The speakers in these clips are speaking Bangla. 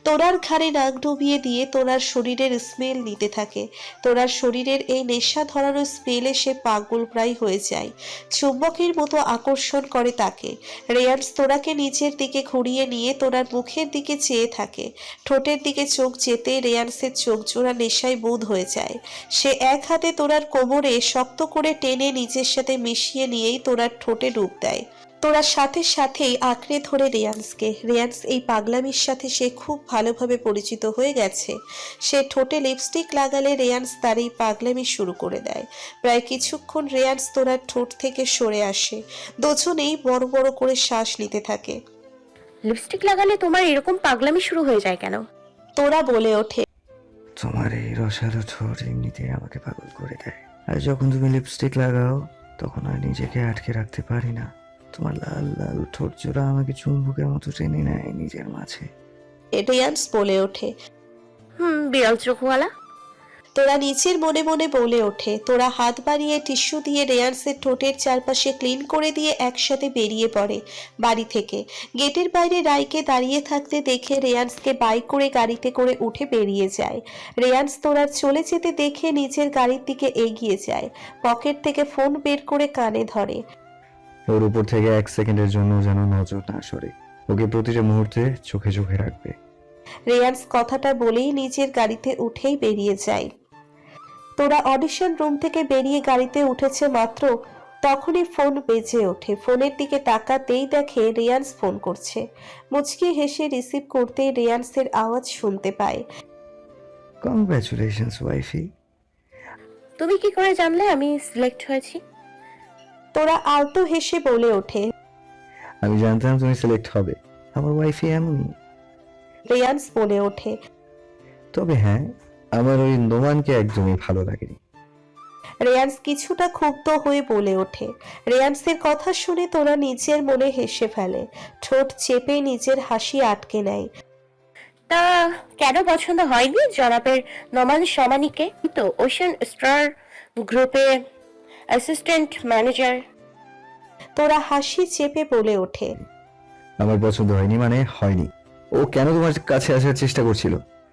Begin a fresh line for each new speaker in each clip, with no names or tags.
তোরার ঘাড়ে নাক ডুবিয়ে দিয়ে তোরার শরীরের স্মেল নিতে থাকে। তোরার শরীরের এই নেশা ধরানো স্মেলে সে পাগল প্রায় হয়ে যায়। চুম্বকের মতো আকর্ষণ করে তাকে। রেয়ান্স তোরাকে নিচের দিকে ঘুরিয়ে নিয়ে তোরার মুখের দিকে চেয়ে থাকে। ঠোঁটের দিকে চোখ যেতে রেয়ান্সের চোখ জোড়া নেশায় বুঁদ হয়ে যায়। সে এক হাতে তোরার কোমরে শক্ত করে টেনে নিজের সাথে মিশিয়ে নিয়েই তোরার ঠোঁটে ডুব দেয়। তোরা সাথে সাথেই আঁকড়ে ধরে রেয়ান্সকে। রেয়ান্স এই পাগলামির সাথে সে খুব ভালোভাবে পরিচিত হয়ে গেছে। সে ঠোঁটে লিপস্টিক লাগালে রেয়ান্স তার এই পাগলামি শুরু করে দেয়। প্রায় কিছুক্ষণ রেয়ান্স তোরার ঠোঁট থেকে সরে আসে। দুজনেই বড় বড় করে শ্বাস নিতে থাকে।
লিপস্টিক লাগালে তোমার এরকম পাগলামি শুরু হয়ে যায় কেন?
তোরা বলে ওঠে,
তোমার এই রসালো ঠোঁট এমনিতেই আমাকে পাগল করে দেয়। আর যখন তুমি লিপস্টিক লাগাও তখন আর নিজেকে আটকে রাখতে পারি না। তোমার লাল লাল ঠোঁট জোড়া আমাকে চুম্বকের মতো টেনে নেয় নিজের মাঝে।
রেয়ান্স বলে ওঠে।
বিড়াল চোখওয়ালা।
তোরা নিচের মনে মনে বলে ওঠে। তোরা হাত বাড়িয়ে টিস্যু দিয়ে রেয়ান্সের ঠোঁটের চারপাশে ক্লিন করে দিয়ে একসাথে বেরিয়ে পড়ে বাড়ি থেকে। গেটের বাইরে রাইকে দাঁড়িয়ে থাকতে দেখে রেয়ান্সকে বাইক করে গাড়িতে করে উঠে বেরিয়ে যায়। রেয়ান্স তোরার চলে যেতে দেখে নিজের গাড়ির দিকে এগিয়ে যায়। পকেট থেকে ফোন বের করে কানে ধরে।
ওর উপর থেকে 1 সেকেন্ডের জন্য যেন নজর না সরে। ওকে প্রতিটা মুহূর্তে চোখে চোখে রাখবে।
রেয়ান্স কথাটা বলেই নিজের গাড়িতে উঠেই বেরিয়ে যায়। তোরা অডিশন রুম থেকে বেরিয়ে গাড়িতে উঠেছে মাত্র তখনই ফোন বেজে ওঠে। ফোনের দিকে তাকাতেই দেখে রেয়ান্স ফোন করছে। মুচকি হেসে রিসিভ করতেই রেয়ান্সের আওয়াজ শুনতে পায়।
Congratulations wifey.
তুমি কি করে জানলে আমি সিলেক্ট হয়েছি?
তোরা আলতো হেসে বলে ওঠে।
আমি জানতাম তুমি সিলেক্ট হবে, আমার ওয়াইফি এমনই।
রেয়ান্স বলে ওঠে।
তবে হ্যাঁ, আমার ওই নোমানকে একদমই ভালো লাগেনি।
রেয়ান্স কিছুটা ক্ষুব্ধ হয়ে বলে ওঠে। রেয়ান্সের কথা শুনে তোরা নিজের মনে হেসে ফেলে। ঠোঁট চেপে নিজের হাসি আটকে নেয়।
তা কেন পছন্দ হয়নি জনাবের নোমান সমানিকে? তো ওশান স্টার গ্রুপে অ্যাসিস্ট্যান্ট ম্যানেজার।
তোরা হাসি চেপে বলে ওঠে।
আমার পছন্দ হয়নি মানে হয়নি। ও কেন তোমার কাছে আসার চেষ্টা করছিল?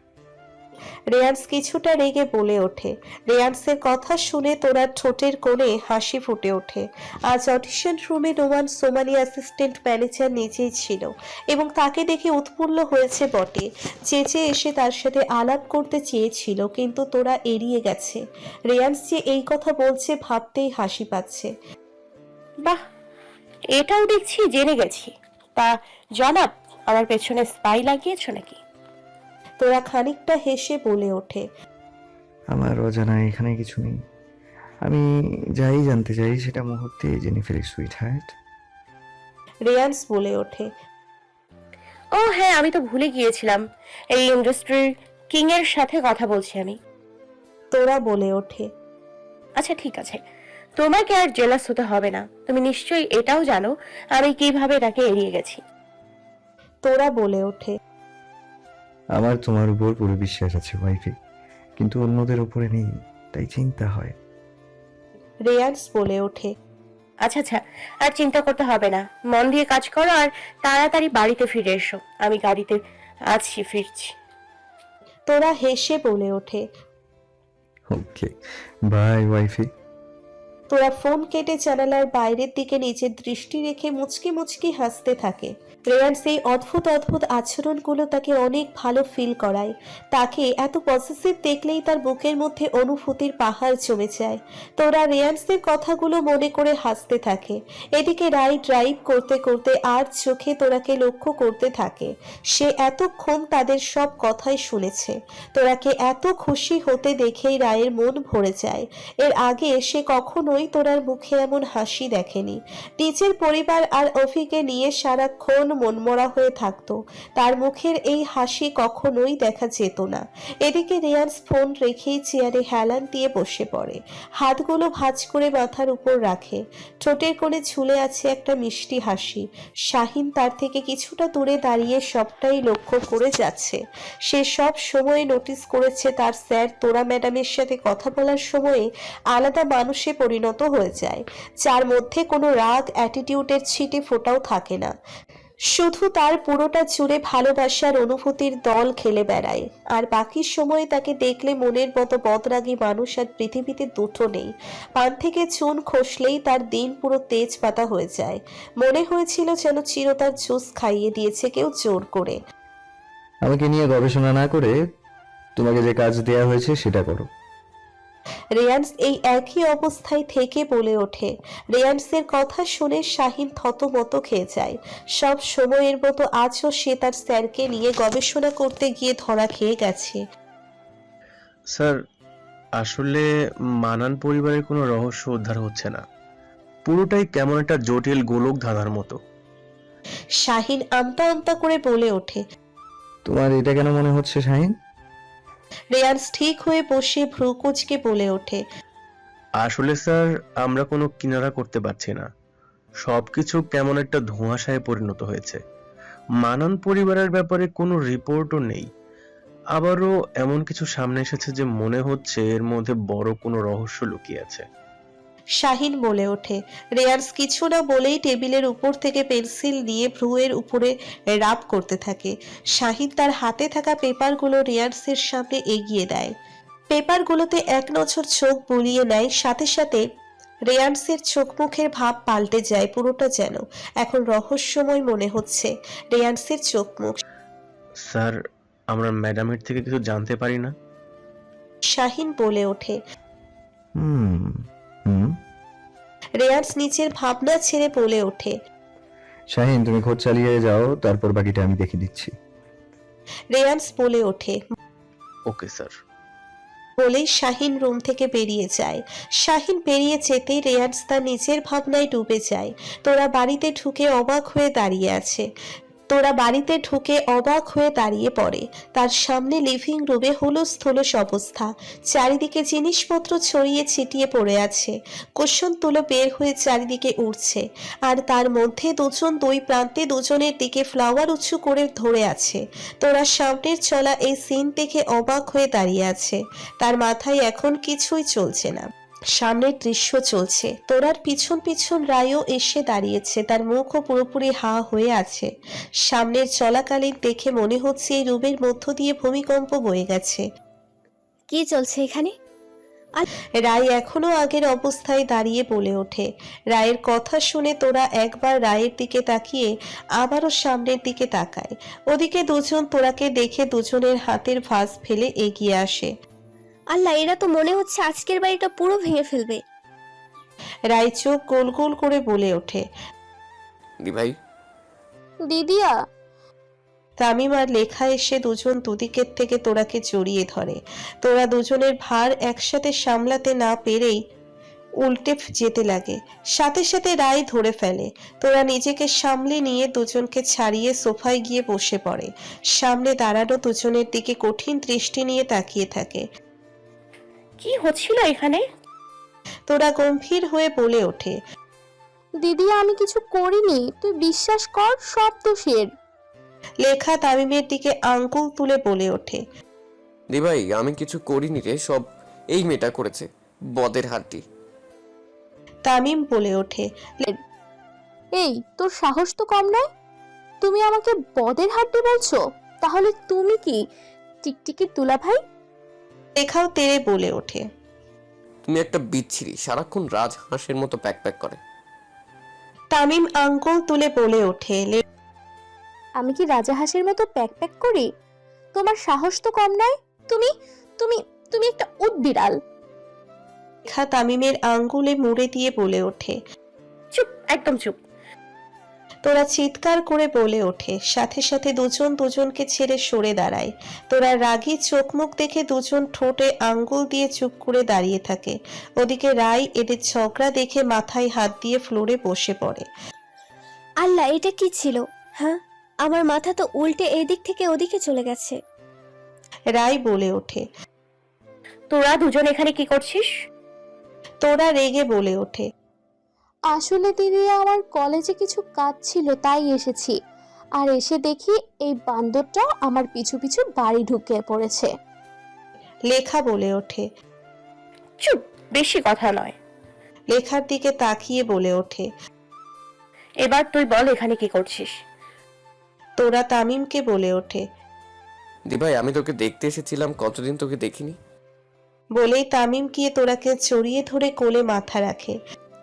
রেয়ান্স কিছুটা রেগে বলে ওঠে। রেয়ান্সের কথা শুনে তোরা ঠোঁটের কোণে হাসি ফুটে ওঠে। আজ অডিশন রুমে নোমান সোমানি অ্যাসিস্ট্যান্ট ম্যানেজার নিজেই ছিল এবং তাকে দেখে উৎফুল্ল হয়েছে বটে। চেঁচে এসে তার সাথে আলাপ করতে চেয়েছিল, কিন্তু তোরা এড়িয়ে গেছে। রেয়ান্স যে এই কথা বলছে ভাবতেই হাসি পাচ্ছে।
বাহ, এটাও দেখছি জেনে গেছি। তা জনাব, আমার পেছনে স্পাই লাগিয়েছো নাকি?
তোরা খানিকটা হেসে বলে ওঠে।
আমার অজানা এখানে কিছু নেই। আমি যাই জানতে চাই সেটা মুহূর্তে জেনে ফেলি সুইট হার্ট।
রেয়ান্স বলে ওঠে।
ও হ্যাঁ, আমি তো ভুলে গিয়েছিলাম। এই ইন্ডাস্ট্রির কিং এর সাথে কথা বলছি আমি।
তোরা বলে ওঠে।
আচ্ছা ঠিক আছে, তোমাকে আর জেলাস হতে হবে না। তুমি নিশ্চয়ই এটাও জানো আমি কিভাবে তাকে এড়িয়ে গেছি।
তোরা বলে ওঠে।
আমার তোমার উপর পুরো বিশ্বাস আছে ওয়াইফি, কিন্তু অন্যদের উপরে নেই, তাই চিন্তা হয়।
রেয়ান্স বলে ওঠে।
আচ্ছা আচ্ছা, আর চিন্তা করতে হবে না। মন দিয়ে কাজ করো আর তাড়াতাড়ি বাড়িতে ফিরে এসো। আমি গাড়িতে আছি, ফিরছি।
তোরা হেসে বলে ওঠে।
Okay, bye wifey.
Tora phone কেটে জানালার বাইরের দিকে নিজের দৃষ্টি রেখে মুচকি মুচকি হাসতে থাকে। রেয়ান্স এই অদ্ভুত অদ্ভুত আচরণগুলো তাকে অনেক ভালো ফিল করায়। তাকে এত পজিটিভ দেখলেই তার বুকের মধ্যে অনুভূতির পাহাড় জমে যায়। তোরা রেয়ান্সের কথাগুলো মনে করে হাসতে থাকে। এদিকে রাই ড্রাইভ করতে করতে আর চোখে তোরাকে লক্ষ্য করতে থাকে। সে এতক্ষণ তাদের সব কথাই শুনেছে। তোরাকে এত খুশি হতে দেখেই রায়ের মন ভরে যায়। এর আগে সে কখনোই তোরার মুখে এমন হাসি দেখেনি। নিজের পরিবার আর অফিকে নিয়ে সারাক্ষণ মনমরা হয়ে থাকতো। তার মুখের এই হাসি কখনোই দেখা যেত না। এদিকে রেয়ান্স ফোন রেখেই চেয়ারে হেলান দিয়ে বসে পড়ে। হাতগুলো ভাঁজ করে মাথার উপর রাখে। ঠোঁটের কোণে ঝুলে আছে একটা মিষ্টি হাসি। শাহিন তার থেকে কিছুটা দূরে দাঁড়িয়ে সবটাই লক্ষ্য করে যাচ্ছে। সে সব সময় নোটিস করেছে তার স্যার তোরা ম্যাডামের সাথে কথা বলার সময়ে আলাদা মানুষে পরিণত হয়ে যায়, যার মধ্যে কোনো রাগ অ্যাটিটিউডের ছিটে ফোটাও থাকে না। শুধু তার পুরোটা জুড়ে ভালোবাসার অনুভূতির দল খেলে বেড়ায়, আর বাকি সময়ে তাকে দেখলে মনের মতো বদরাগী মানুষ আর পৃথিবীতে দুটো নেই। পান থেকে চুন খসলেই তার দিন পুরো তেজপাতা হয়ে যায়। মনে হয়েছিল যেন চিরতার জুস খাইয়ে দিয়েছে কেউ জোর করে।
আমাকে নিয়ে গবেষণা না করে তোমাকে যে কাজ দেয়া হয়েছে সেটা করো।
রেয়ান্স এই একই অবস্থায় থেকে বলে ওঠে। রেয়ান্সের কথা শুনে শাহিন থতমত খেয়ে যায়। সব সময়ের মতো আজও সে তার স্যারকে নিয়ে গবেষণা করতে গিয়ে ধরা খেয়ে গেছে।
স্যার, আসলে মানান পরিবারের কোনো রহস্য উদ্ধার হচ্ছে না। পুরোটাই কেমন একটা জটিল গোলক ধাঁধার মতো।
শাহিন আমতা আমতা করে বলে ওঠে।
তোমার এটা কেন মনে হচ্ছে শাহিন?
রেয়ান্স ঠিক হয়ে বসে ভ্রু কুঁচকে বলে ওঠে।
আসলে স্যার, আমরা কোনো কিনারা করতে পারছি না। সবকিছু কেমন একটা ধোঁয়াশায় পরিণত হয়েছে। মানান পরিবারের ব্যাপারে কোনো রিপোর্টও নেই। আবারও এমন কিছু সামনে এসেছে যে মনে হচ্ছে এর মধ্যে বড় কোনো রহস্য লুকিয়ে আছে।
শাহিন বলে ওঠে। রেয়ান্স কিছু না বলেই টেবিলের উপর থেকে পেন্সিল নিয়ে ভ্রুয়ের উপরে রাব করতে থাকে। শাহিন তার হাতে থাকা পেপারগুলো রেয়ান্সের সামনে এগিয়ে দেয়। পেপারগুলোতে এক নজর চোখ বুলিয়ে নেয়, সাথে সাথে রেয়ান্সের চোখ মুখের ভাব পাল্টে যায়। পুরোটা যেন এখন রহস্যময় মনে হচ্ছে রেয়ান্সের চোখ মুখ।
স্যার, আমরা ম্যাডামের থেকে কিছু জানতে পারি না?
শাহিন বলে ওঠে।
হুম হুম
রেয়ান্স নিচের ভাবনা ছেড়ে বলে ওঠে।
শাহিন, তুমি খোঁজ চালিয়ে যাও, তারপর বাকিটা আমি দেখে দিচ্ছি।
রেয়ান্স বলে ওঠে।
Okay sir.
বলেই শাহিন রুম থেকে বেরিয়ে যায়। শাহিন বেরিয়ে যেতেই রেয়ান্স তার নিজের ভাবনায় ডুবে যায়। তোরা বাড়িতে ঢুকে অবাক হয়ে দাঁড়িয়ে পড়ে। তার সামনে লিভিং রুমে হুলুস থুলুস অবস্থা। চারিদিকে জিনিসপত্র ছড়িয়ে ছিটিয়ে পড়ে আছে। কুশন তুলো বের হয়ে চারিদিকে উড়ছে, আর তার মধ্যে দুজন দুই প্রান্তে দুজনের দিকে ফ্লাওয়ার উঁচু করে ধরে আছে। তোরা সামনের চলা এই সিন দেখে অবাক হয়ে দাঁড়িয়ে আছে। তার মাথায় এখন কিছুই চলছে না, সামনের দৃশ্য চলছে। তোরার পিছন পিছন রায়ও এসে দাঁড়িয়েছে, তার মুখও পুরোপুরি হা হয়ে আছে। সামনের চলাকালীন দেখে মনে হচ্ছে এই রুমের মধ্য দিয়ে ভূমিকম্প বয়ে গেছে।
কি চলছে এখানে?
রায় এখনো আগের অবস্থায় দাঁড়িয়ে বলে ওঠে। রায়ের কথা শুনে তোরা একবার রায়ের দিকে তাকিয়ে আবারও সামনের দিকে তাকায়। ওদিকে দুজন তোরাকে দেখে দুজনের হাতের ভাঁজ ফেলে এগিয়ে আসে।
আল্লাহ, এরা তো মনে হচ্ছে আজকের বাড়িটা পুরো ভেঙে ফেলবে।
রায় চোখ গোল গোল করে বলে ওঠে।
দি ভাই,
দিদিয়া।
তামিম আর লেখা এসে দুজন দুদিকের থেকে তোরাকে জড়িয়ে ধরে। তোরা দুজনের ভার একসাথে সামলাতে না পেরেই উল্টে যেতে লাগে। সাথে সাথে রায় ধরে ফেলে। তোরা নিজেকে সামলে নিয়ে দুজনকে ছাড়িয়ে সোফায় গিয়ে বসে পড়ে। সামনে দাঁড়ানো দুজনের দিকে কঠিন দৃষ্টি নিয়ে তাকিয়ে থাকে।
কি হচ্ছিল এখানে?
তোরা গম্ভীর হয়ে বলে ওঠে।
দিদিয়া, আমি কিছু করিনি, তুই বিশ্বাস কর, সব দোষের।
লেখা তামিমের দিকে আঙ্গুল তুলে বলে ওঠে।
দি ভাই, আমি কিছু করিনি রে, সব এই মেয়েটা করেছে, বদের হাড্ডি।
তামিম বলে ওঠে।
এই, তোর সাহস তো কম নয়, তুমি আমাকে বদের হাড্ডি বলছো? তাহলে তুমি কি টিকটিকির দুলা ভাই?
লেখাও তেড়ে বলে ওঠে।
তুমি একটা বিচ্ছিরি, সারাক্ষণ রাজ হাঁসের মতো প্যাক প্যাক করে।
তামিম আঙ্গুল তুলে বলে ওঠে।
আমি কি রাজা হাঁসের মতো প্যাক প্যাক করি? তোমার সাহস তো কম নয়, তুমি তুমি তুমি একটা উদবিড়াল।
লেখা তামিমের আঙ্গুলে মুড়ে দিয়ে বলে ওঠে।
চুপ, একদম চুপ।
তোরা চিৎকার করে বলে ওঠে। সাথে সাথে দুজন দুজনকে ছেড়ে সরে দাঁড়ায়। তোরা রাগী চোখ মুখ দেখে দুজন ঠোঁটে আঙ্গুল দিয়ে চুপ করে দাঁড়িয়ে থাকে। ওদিকে রায় এদের ঝগড়া দেখে মাথায় হাত দিয়ে ফ্লোরে বসে পড়ে।
আল্লাহ, এটা কি ছিল? হ্যাঁ, আমার মাথা তো উল্টে এদিক থেকে ওদিকে চলে গেছে।
রায় বলে ওঠে।
তোরা দুজন এখানে কি করছিস?
তোরা রেগে বলে ওঠে।
আসলে দিদি, আমার কলেজে কিছু কাজ ছিল, তাই এসেছি। আর এসে দেখি এই বান্দরটা আমার পিছু পিছু বাড়ি ঢুকে পড়েছে।
লেখা বলে ওঠে।
চুপ, বেশি কথা নয়।
লেখার দিকে তাকিয়ে বলে ওঠে।
এবার তুই বল এখানে কি করছিস?
তোরা তামিমকে বলে ওঠে।
দি ভাই আমি তোকে দেখতে এসেছিলাম, কতদিন তোকে দেখিনি।
বলেই তামিম গিয়ে তোরাকে জড়িয়ে ধরে কোলে মাথা রাখে।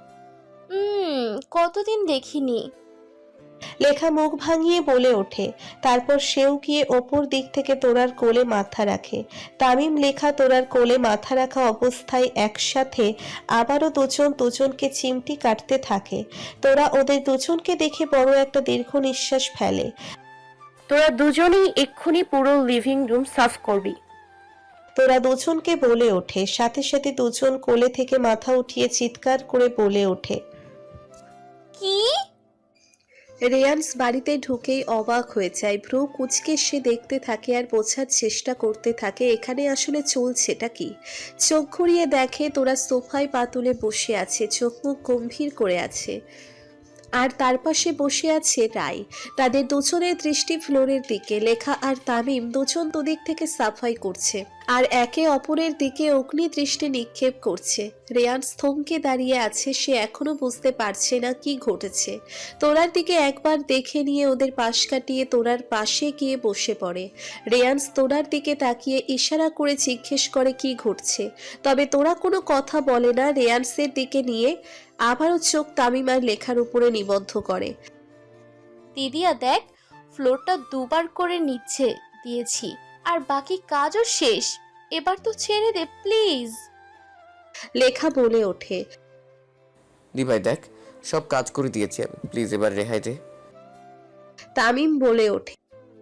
কতদিন দেখিনি।
লেখা মুখ ভাঙিয়ে বলে ওঠে। তারপর সেও গিয়ে ওপর দিক থেকে তোরার কোলে মাথা রাখে। তামিম লেখা তোরার কোলে মাথা রাখা অবস্থায় একসাথে আবারও দুজন দুজনকে চিমটি কাটতে থাকে। তোরা ওদের দুজনকে দেখে বড় একটা দীর্ঘ নিঃশ্বাস ফেলে।
তোরা দুজনেই এক্ষুনি পুরো লিভিং রুম সাফ করবি।
তোরা দুজনকে বলে ওঠে। সাথে সাথে দুজন কোলে থেকে মাথা উঠিয়ে চিৎকার করে বলে ওঠে।
কি?
রেয়ান্স বাড়িতে ঢুকেই অবাক হয়ে যায়। ভ্রু কুঁচকে সে দেখতে থাকে আর বোঝার চেষ্টা করতে থাকে এখানে আসলে চলছেটা কি। চোখ ঘুরিয়ে দেখে তোরা সোফায় পা তুলে বসে আছে, চোখ মুখ গম্ভীর করে আছে। আর তার পাশে বসে আছে রায়। তাদের দুজনের দৃষ্টি ফ্লোরের দিকে। লেখা আর তামিম দুজন দুদিক থেকে সাফাই করছে আর একে অপরের দিকে অগ্নি দৃষ্টি নিক্ষেপ করছে। রেয়ান্স থমকে দাঁড়িয়ে আছে, সে এখনো বুঝতে পারছে না কি ঘটেছে। তোরার দিকে একবার দেখে নিয়ে ওদের পাশ কাটিয়ে তোরার পাশে গিয়ে বসে পড়ে। রেয়ান্স তোরার দিকে তাকিয়ে ইশারা করে জিজ্ঞেস করে কি ঘটছে, তবে তোরা কোনো কথা বলে না। রেয়ান্সের দিকে নিয়ে আবারও চোখ তামিম আর লেখার উপরে নিবদ্ধ করে।
দিদিয়া দেখ, ফ্লোরটা দুবার করে নিচ্ছে দিয়েছি আর বাকি কাজও শেষ, এবার তো ছেড়ে দে প্লিজ।
লেখা বলে ওঠে।
দি ভাই দেখ, সব কাজ করে দিয়েছি আমি, প্লিজ এবার রেহাই দে।
তামিম বলে ওঠে।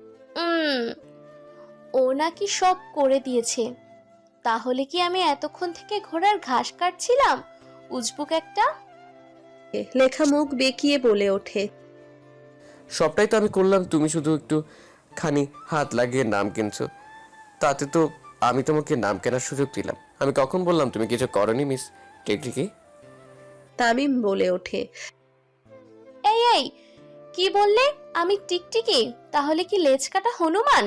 ও নাকি সব করে দিয়েছে, তাহলে কি আমি এতক্ষণ থেকে ঘোড়ার ঘাস কাটছিলাম? উজবুক একটা।
লেখা মুখ বেঁকিয়ে বলে ওঠে।
সবটাই তো আমি করলাম, তুমি শুধু একটু খানি হাত লাগিয়ে নাম কিনছো, তাতে তো আমি তোমাকে নাম কেনার সুযোগ দিলাম। আমি কখন বললাম তুমি কিছু করনি মিস টিকটিকি?
তামিম বলে ওঠে।
এই এই, কি বললে? আমি টিকটিকি? তাহলে কি লেজ কাটা হনুমান?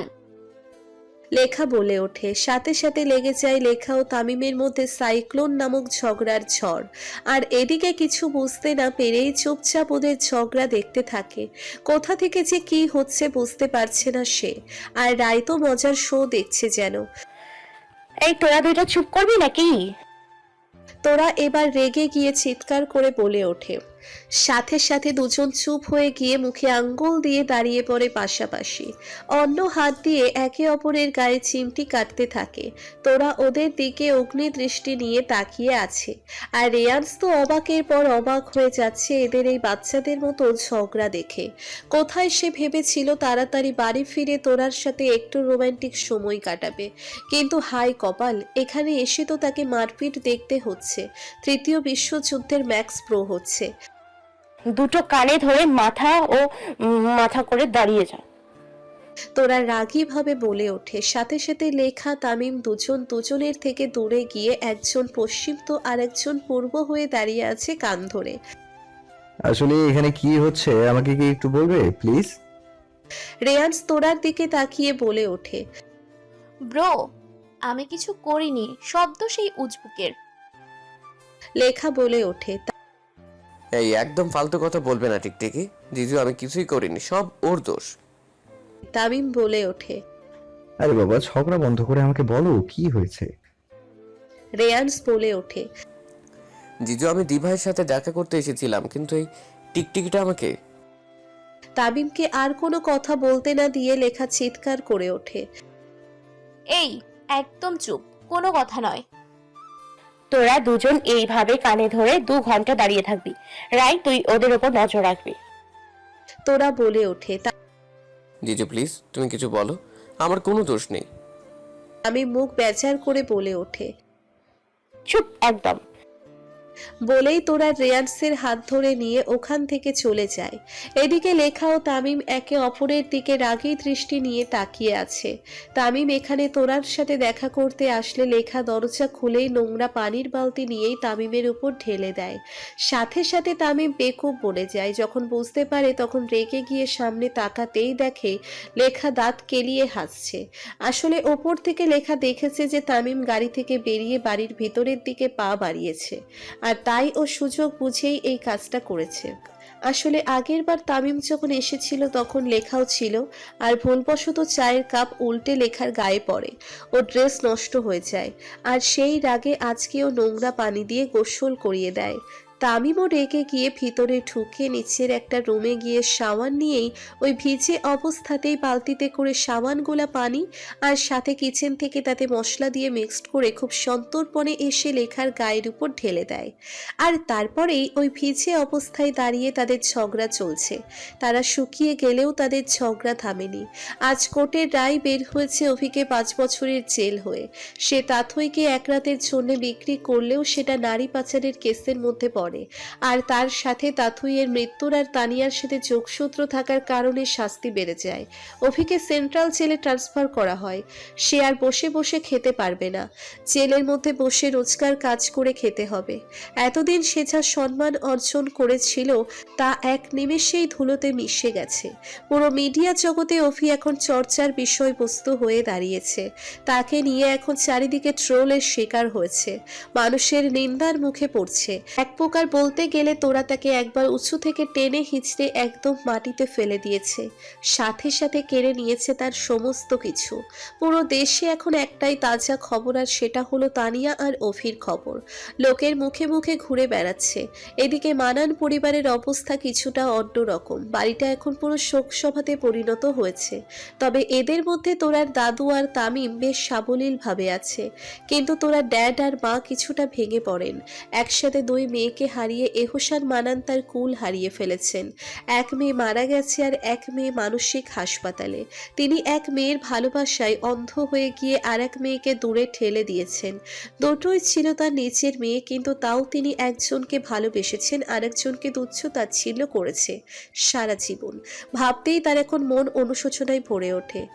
লেখা বলে ওঠে। সাথে সাথে লেগে যায় লেখা ও তামিমের মধ্যে সাইক্লোন নামক ঝগড়ার ঝড়। আর এদিকে কিছু বুঝতে না পেরেই চুপচাপ ওদের ঝগড়া দেখতে থাকে। কোথা থেকে যে কি হচ্ছে বুঝতে পারছে না সে। আর রায় তো মজার শো দেখছে যেন।
এই তোরা দুইটা চুপ করবি নাকি?
তোরা এবার রেগে গিয়ে চিৎকার করে বলে ওঠে। সাথে সাথে দুজন চুপ হয়ে গিয়ে মুখে আঙ্গুল দিয়ে দাঁড়িয়ে পড়ে পাশাপাশি। অন্য হাত দিয়ে একে অপরের গায়ে চিমটি কাটতে থাকে। তোরা ওদের দিকে অগ্নি দৃষ্টি নিয়ে তাকিয়ে আছে। আর রেয়ান্স তো অবাকের পর অবাক হয়ে যাচ্ছে এদের এই বাচ্চাদের মতো ঝগড়া দেখে। কোথায় সে ভেবেছিল তাড়াতাড়ি বাড়ি ফিরে তোরার সাথে একটু রোমান্টিক সময় কাটাবে, কিন্তু হাই কপাল, এখানে এসে তো তাকে মারপিট দেখতে হচ্ছে। তৃতীয় বিশ্বযুদ্ধের ম্যাক্স প্রো হচ্ছে।
দুটো কানে ধরে মাথা ও মাথা করে দাঁড়িয়ে যা।
তোরা রাগী ভাবে বলে ওঠে। সাথে সাথে লেখা তামিম দুজন দুজনের থেকে দূরে গিয়ে একজন পশ্চিম তো আর একজন পূর্ব হয়ে দাঁড়িয়ে আছে কান ধরে।
আসলে এখানে কি হচ্ছে আমাকে কি একটু বলবে প্লিজ?
রেয়ান্স তোরার দিকে তাকিয়ে বলে ওঠে।
ব্রো, আমি কিছু করিনি, শব্দ সেই উজবুকের।
লেখা বলে ওঠে।
এই একদম ফালতু কথা বলবে না টিকটিকি, জিজু আমি কিছুই করিনি, সব ওর দোষ।
তামিম বলে ওঠে।
আরে বাবা, ঝগড়া বন্ধ করে আমাকে বলো কি হয়েছে।
রেয়ান্স বলে ওঠে।
জিজু আমি দি ভাইয়ের সাথে দেখা করতে এসেছিলাম, কিন্তু এই টিকটিকিটা আমাকে।
তামিমকে আর কোনো কথা বলতে না দিয়ে লেখা চিৎকার করে ওঠে।
এই একদম চুপ, কোনো কথা নয়।
তোরা দুজন এইভাবে কানে ধরে 2 ঘন্টা দাঁড়িয়ে থাকবি। রাই তুই ওদের উপর নজর রাখবি।
তোরা বলে ওঠে।
জিজু প্লিজ তুমি কিছু বলো, আমার কোনো দোষ নেই।
আমি মুখ বেজার করে বলে ওঠে।
চুপ একদম।
বলেই তোরা রেয়ান্সের হাত ধরে নিয়ে ওখান থেকে চলে যায়। এদিকে লেখা ও তামিম একে অপরের দিকে রাগী দৃষ্টি নিয়ে তাকিয়ে আছে। তামিম এখানে তোরার সাথে দেখা করতে আসলে লেখা দরজা খুলেই নোংরা পানির বালতি নিয়েই তামিমের উপর ঢেলে দেয়। সাথে সাথে তামিম বেকুব বলে যায়। যখন বুঝতে পারে তখন রেগে গিয়ে সামনে তাকাতেই দেখে লেখা দাঁত কেলিয়ে হাসছে। আসলে ওপর থেকে লেখা দেখেছে যে তামিম গাড়ি থেকে বেরিয়ে বাড়ির ভিতরের দিকে পা বাড়িয়েছে, আর তাই ও সুযোগ বুঝেই এই কাজটা করেছে। আসলে আগের বার তামিম যখন এসেছিল তখন লেখাও ছিল, আর ভুলবশত চায়ের কাপ উল্টে লেখার গায়ে পড়ে। ও ড্রেস নষ্ট হয়ে যায়, আর সেই রাগে আজকেও নোংরা পানি দিয়ে গোসল করিয়ে দেয়। তামিমও রেগে গিয়ে ভিতরে ঢুকে নিচের একটা রুমে গিয়ে সাবান নিয়েই ওই ভিজে অবস্থাতেই বালতিতে করে সাবান গোলা পানি আর সাথে কিচেন থেকে তাতে মশলা দিয়ে মিক্সড করে খুব সন্তর্পণে এসে লেখার গায়ের উপর ঢেলে দেয়। আর তারপরেই ওই ভিজে অবস্থায় দাঁড়িয়ে তাদের ঝগড়া চলছে। তারা শুকিয়ে গেলেও তাদের ঝগড়া থামেনি। আজ কোর্টের রায় বের হয়েছে অভিকে 5 বছরের জেল হয়ে। সে তাথইকে এক রাতের জন্য বিক্রি করলেও সেটা নারী পাচারের কেসের মধ্যে পড়ে, আর তার সাথে তাথইয়ের মৃত্যুর আর তানিয়ার সাথে যোগসূত্র থাকার কারণে শাস্তি বেড়ে যায়। অভিকে সেন্ট্রাল জেলে ট্রান্সফার করা হয়। সে আর বসে বসে খেতে পারবে না, জেলের মধ্যে বসে রোজকার কাজ করে খেতে হবে। এতদিন সে যা সম্মান অর্জন করেছিল তা এক নিমেষেই ধুলোতে মিশে গেছে। পুরো মিডিয়া জগতে অভি এখন চর্চার বিষয়বস্তু হয়ে দাঁড়িয়েছে। তাকে নিয়ে এখন চারিদিকে ট্রোলের শিকার হয়েছে, মানুষের নিন্দার মুখে পড়ছে। এক প্রকার বলতে গেলে তোরা তাকে একবার উঁচু থেকে টেনে হিঁচড়ে একদম মাটিতে ফেলে দিয়েছে, সাথে সাথে কেড়ে নিয়েছে তার সমস্ত কিছু। পুরো দেশে এখন একটাই তাজা খবর, আর সেটা হলো তানিয়া আর অভির খবর। লোকের মুখে মুখে ঘুরে বেড়াচ্ছে। এদিকে মানান পরিবারের অবস্থা কিছুটা অন্যরকম। বাড়িটা এখন পুরো শোক সভাতে পরিণত হয়েছে। তবে এদের মধ্যে তোরার দাদু আর তামিম বেশ সাবলীল ভাবে আছে, কিন্তু তোরা ড্যাড আর মা কিছুটা ভেঙে পড়েন। একসাথে 2 মেয়েকে হারিয়ে এহসান মানান তার কুল হারিয়ে ফেলেছেন। এক মেয়ে মারা গেছে আর এক মেয়ে মানসিক হাসপাতালে। তিনি এক মেয়ের ভালোবাসায় অন্ধ হয়ে গিয়ে আর এক মেয়েকে দূরে ঠেলে দিয়েছেন। দুটোই ছিল তার নিজের মেয়ে, কিন্তু তাও তিনি একজনকে ভালোবেসেছেন, আরেকজনকে তুচ্ছ তাচ্ছিল্য করেছে সারা জীবন। ভাবতেই তার এখন মন অনুশোচনায় ভরে ওঠে।